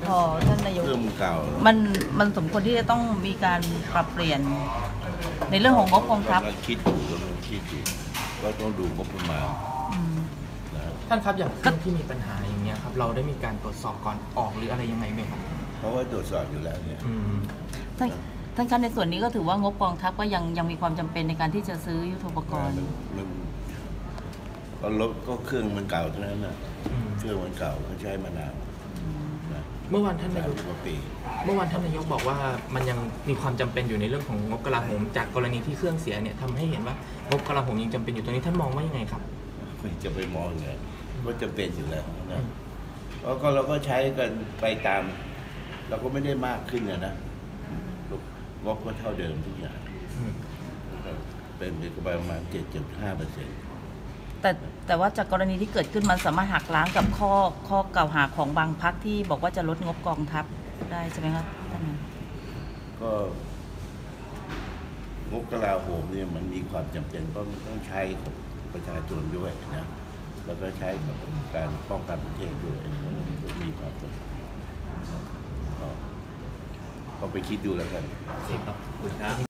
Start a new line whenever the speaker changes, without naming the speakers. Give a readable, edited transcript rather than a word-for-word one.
พอท่านนายก
เรื่องเก่า
มันสมควรที่จะต้องมีการปรับเปลี่ยนในเรื่องของงบกองทัพ
คิดอยู่ก็ต้องดูงบประมาณ
ท่านครับอย่างเครื่องที่มีปัญหาอย่างเงี้ยครับเราได้มีการตรวจสอบก่อนออกหรืออะไรยังไงไหมครับ
เพราะว่าตรวจสอบอยู่แล้วเนี่ย
ท่านคะในส่วนนี้ก็ถือว่างบกองทัพก็ยังมีความจำเป็นในการที่จะซื้อยุทโธปกรณ์
รถก็เครื่องมันเก่าเท่านั้นนะเครื่องมันเก่าเขาใช้มานาน
เมื่อวานท่านนายกบอกว่ามันยังมีความจำเป็นอยู่ในเรื่องของงบกลาโหมจากกรณีที่เครื่องเสียเนี่ยทำให้เห็นว่างบกลาโหมยังจำเป็นอยู่ตรงนี้ท่านมองว่ายังไงครับ
ไม่จะไปมองไงว่าจำเป็นอยู่แล้วนะก็เราก็ใช้กันไปตามเราก็ไม่ได้มากขึ้นนะงบก็เท่าเดิมทุกอย่างเป็นประมาณ 7.5%
แต่ว่าจากกรณีที่เกิดขึ้นมันสามารถหักล้างกับข้อกล่าวหาของบางพรรคที่บอกว่าจะลดงบกองทัพได้ใช่ไหมครับท่าน
ก็งบกลาโหมเนี่ยมันมีความจำเป็นต้องใช้กับประชาชนด้วยนะแล้วก็ใช้กับการป้องกันประเทศด้วยมีความจำเป็นก็ไปคิดดูแล้วกัน
ครับ